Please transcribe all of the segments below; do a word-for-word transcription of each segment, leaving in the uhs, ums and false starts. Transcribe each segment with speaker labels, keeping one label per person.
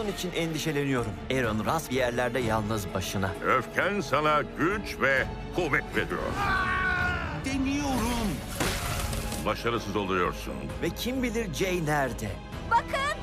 Speaker 1: Onun için endişeleniyorum. Aaron rast bir yerlerde yalnız başına.
Speaker 2: Öfken sana güç ve kuvvet veriyor.
Speaker 3: Deniyorum.
Speaker 2: Başarısız oluyorsun.
Speaker 1: Ve kim bilir Jay nerede?
Speaker 4: Bakın.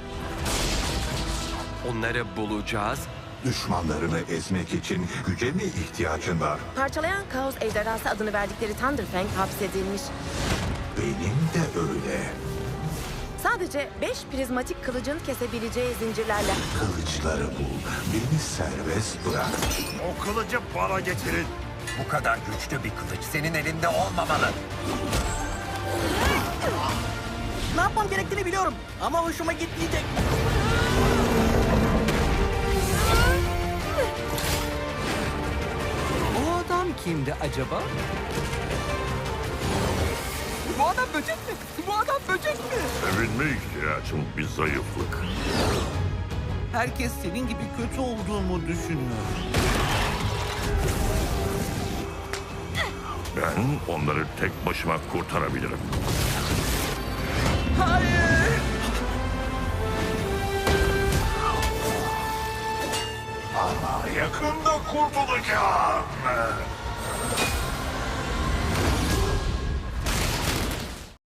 Speaker 3: Onları bulacağız.
Speaker 5: Düşmanlarını ezmek için güce mi ihtiyacın var?
Speaker 6: Parçalayan Kaos Ejderhası adını verdikleri Thunderfang hapsedilmiş.
Speaker 5: Benim de öyle.
Speaker 6: Sadece beş prizmatik kılıcın kesebileceği zincirlerle.
Speaker 5: Kılıçları bul. Beni serbest bırak.
Speaker 7: O kılıcı bana getirin.
Speaker 8: Bu kadar güçlü bir kılıç senin elinde olmamalı.
Speaker 9: Ne yapmam gerektiğini biliyorum ama hoşuma gitmeyecek.
Speaker 3: O adam kimdi acaba? Bu adam böcek mi? Bu adam böcek mi?
Speaker 2: Sevinme ihtiyacım bir zayıflık.
Speaker 3: Herkes senin gibi kötü olduğumu düşünüyor.
Speaker 2: Ben onları tek başıma kurtarabilirim.
Speaker 3: Hayır!
Speaker 5: Ama yakında kurtulacağım.